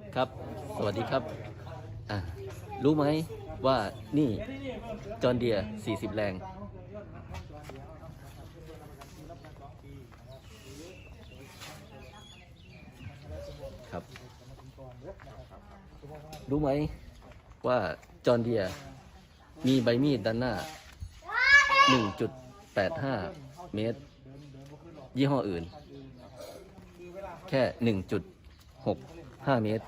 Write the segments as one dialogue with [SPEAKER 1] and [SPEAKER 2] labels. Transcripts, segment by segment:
[SPEAKER 1] ครับ สวัสดีครับรู้ไหมว่านี่จอห์นเดียร์40 แรงครับรู้ไหมว่าจอห์นเดียร์มีใบมีดด้านหน้า 1.85 เมตร ยี่ห้ออื่นแค่ 1.65 เมตร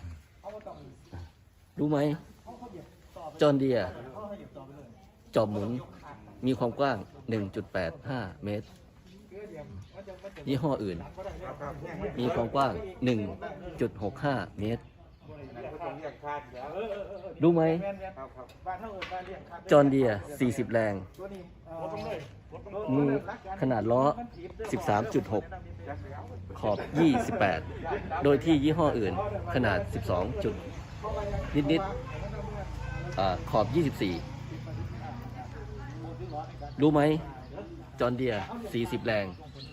[SPEAKER 1] รู้ไหมจอห์นเดียร์จอบหมุนมีความกว้าง 1.85 เมตร ยี่ห้ออื่นมีความกว้าง 1.65 เมตร รู้ไหมจอห์นเดียร์40 แรงมีขนาดล้อ 13.6 ขอบ 28 โดยที่ยี่ห้ออื่นขนาด 12 จุดนิดๆขอบ 24 รู้ไหมจอห์นเดียร์40 แรง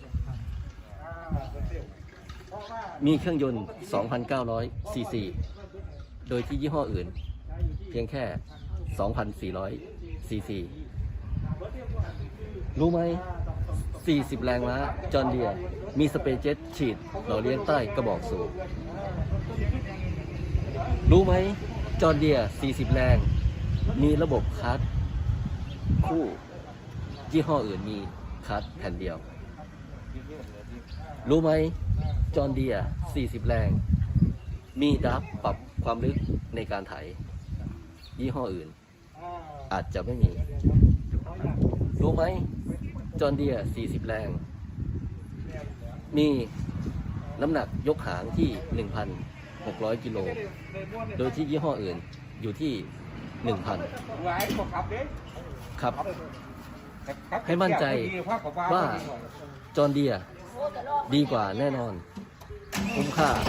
[SPEAKER 1] มีเครื่องยนต์ 2,900 ซีซี โดยที่ยี่ห้ออื่นเพียงแค่ 2,400 ซีซี รู้ไหม40 แรงม้าจอห์นเดียร์มีสเปรย์เจ็ตฉีดหล่อเลี้ยงใต้กระบอกสูบ รู้ไหมจอห์นเดียร์40 แรงมีระบบคลัตช์คู่ยี่ห้ออื่นมีคลัตช์แผ่นเดียว รู้ไหมจอห์นเดียร์40 แรงมีดับปรับความลึกในการไถยี่ห้ออื่นอาจจะไม่มี รู้ไหมจอห์นเดียร์40 แรงมีน้ำหนักยกหางที่ 1,600 กิโลโดยที่ยี่ห้ออื่นอยู่ที่ 1,000 ครับให้มั่นใจว่าจอห์นเดียร์ดีกว่าแน่นอนคุ้มค่า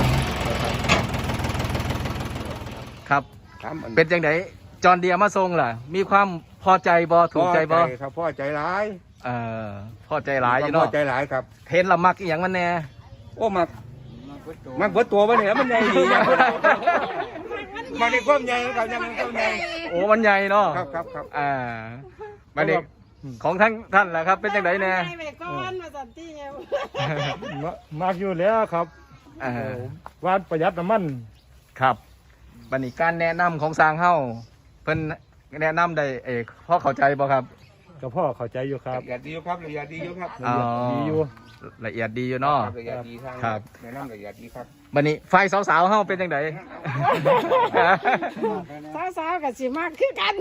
[SPEAKER 2] ครับเป็นจังไดจอห์นเดียร์มาทรงล่ะมีความพอใจบ่ถูกใจบ่
[SPEAKER 3] ครับพอใจหลาย
[SPEAKER 2] พอใจหลายอยู่เนาะ
[SPEAKER 3] พอใจหลายครับ
[SPEAKER 2] เห็นละมักอีหยังมันแน่
[SPEAKER 3] โอ้มันเบิดตัวมันเนี่ยมันใหญ่ดีมันในความใหญ่ครับยังความใหญ่
[SPEAKER 2] โอ้มันใหญ่เนาะ
[SPEAKER 3] ครับ
[SPEAKER 2] มาเด็กของท่านล่ะครับเป็นจังไดแน่
[SPEAKER 4] มากอยู่แล้วครับวานประหยัดน้ำมัน
[SPEAKER 2] ครับบัดนี้การแนะนำของสร้างเฮาเพิ่นแนะนำได้พอเข้าใจบ่ครับ
[SPEAKER 4] ก็พ่อเข้าใจอยู่ครับ
[SPEAKER 3] ละเอียดดีอยู่ครับละเอียดดีอยู่ครับ
[SPEAKER 4] ดีอยู่
[SPEAKER 2] ละเอียดดีอยู่เนาะ
[SPEAKER 3] ละเอียดดี
[SPEAKER 2] ครับ
[SPEAKER 3] แนะนำละเอียดดีครับ
[SPEAKER 2] บัดนี้ไฟสาวๆเฮาเป็นจังได
[SPEAKER 5] สาวๆก็สิมากคือกัน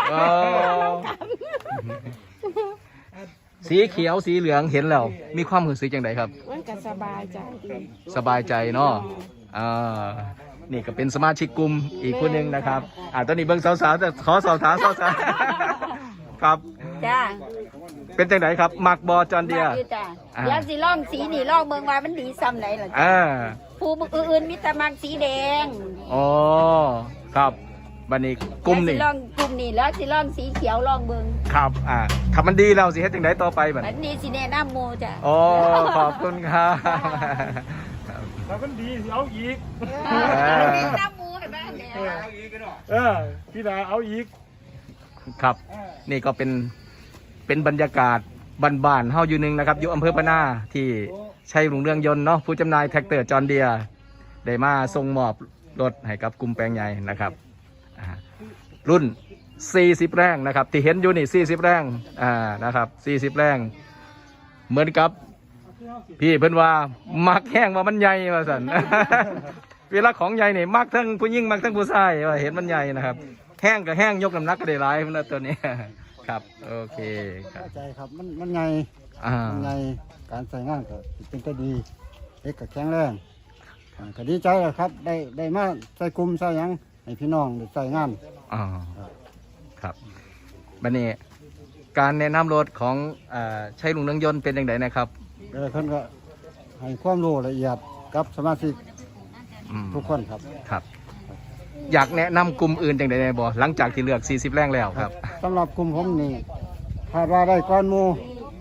[SPEAKER 2] สีเขียวสีเหลืองเห็นแล้วมีความรู้สึกจังไดครับ
[SPEAKER 5] มันก็สบายใจ
[SPEAKER 2] สบายใจเนาะนี่ก็เป็นสมาชิกกลุ่มอีกคนหนึ่งนะครับตอนนี้เบิ่งสาวๆแต่ขอสอบถามสาวๆครับ
[SPEAKER 6] จ้า
[SPEAKER 2] เป็นจังไดครับมักบอจอห์นเดียร์
[SPEAKER 6] จ้าเดี๋ยวสิล่องสีนี่ล่องเมืองว่ามันดีซ้ำไหนล่ะผู้อื่นมีแต่มักสีแดง
[SPEAKER 2] อ๋อครับบัดนี้กลุ่มนี่
[SPEAKER 6] ล่องกลุ่มนี่แล้วสิล่องสีเขียวล่องเมือง
[SPEAKER 2] ครับถ้ามันดีเราสิเฮ็ดจังไดต่อไปบัด
[SPEAKER 6] นี้สิแนะนำหมู่จ้า
[SPEAKER 2] อ๋อขอบคุณครับ
[SPEAKER 4] ถ้ามันดีเอาอีก
[SPEAKER 6] น้ำหมูเห็นไหม
[SPEAKER 4] พี่ดาเอาอีก
[SPEAKER 2] ครับนี่ก็เป็นบรรยากาศบ้านๆเฮาอยู่นึงนะครับอยู่อำเภอปะนาที่ชัยรุ่งเรืองยนต์เนาะผู้จำหน่ายแท็กเตอร์จอห์นเดียร์ได้มาส่งมอบรถให้กับกลุ่มแปลงใหญ่นะครับรุ่น40 แรงนะครับที่เห็นอยู่นี่40 แรงนะครับ40 แรงเหมือนกับพี่เพิ่นว่ามักแห้งว่ามันใหญ่ว่าสั่นเวลาของใหญ่นี่มักทั้งผู้หญิงมักทั้งผู้ชายว่าเห็นมันใหญ่นะครับแห้งกับแห้งยกน้ำหนักก็ได้หลายนะตัวนี้ครับโอเค
[SPEAKER 4] เข้าใจครับมันใหญ่ใหญ่การใส่งานก็เป็นก็ดีเล็กกับแข็งแรงก็ดีใจครับได้มาใส่กลุ่มใส่ยังให้พี่น้องได้ใส่งาน
[SPEAKER 2] ครับบัดนี้การแนะนำรถของชัยรุ่งเรืองยนต์เป็นอย่างไรนะครับ
[SPEAKER 4] เพิ่นก็ให้ความรู้ละเอียดกับสมาชิกทุกคน
[SPEAKER 2] ครับอยากแนะนำกลุ่มอื่นอย่างไรบ่หลังจากที่เลือก40 แรงแล้วครับ
[SPEAKER 4] สำหรับกลุ่มผมนี่คาดว่าได้ก้อนหมู่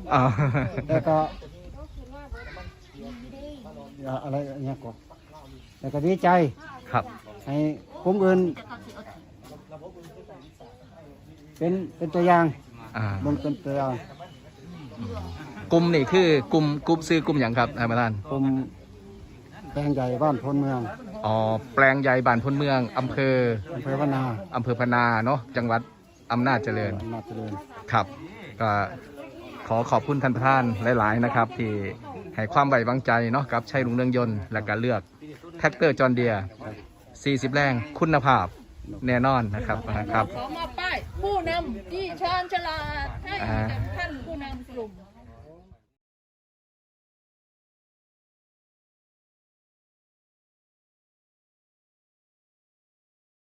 [SPEAKER 4] แล้วก็อะไรเงี้ยก็แล้วก็ดีใจ
[SPEAKER 2] ครับ
[SPEAKER 4] ให้กลุ่มอื่นเป็นตัวอย่าง
[SPEAKER 2] อ่า
[SPEAKER 4] เบิ่งเป็นตัวอย่าง
[SPEAKER 2] กลุ่มนี่คือกลุ่มซื้อกลุ่มอย่างครับท่านประธาน
[SPEAKER 4] กลุ่มแปลงใหญ่บ้านพลเมือง
[SPEAKER 2] อ๋อแปลงใหญ่บ้านพลเมืองอำเภอ
[SPEAKER 4] อำเภอพนา
[SPEAKER 2] อำเภอพนาเนาะจังหวัดอำนาจเจริญ
[SPEAKER 4] อำนาจเจริญ
[SPEAKER 2] ครับก็ขอขอบคุณท่านประธานหลาย ๆ นะครับ ที่ให้ความไว้วางใจเนาะกับชัยรุ่งเรืองยนต์และการเลือกแท็กเตอร์จอห์นเดียร์40 แรงคุณภาพแน่นอนนะครับครับ
[SPEAKER 6] ขอมอบป้ายผู้นำที่ชาญฉลาดให้กับท่านผู้นำกลุ่ม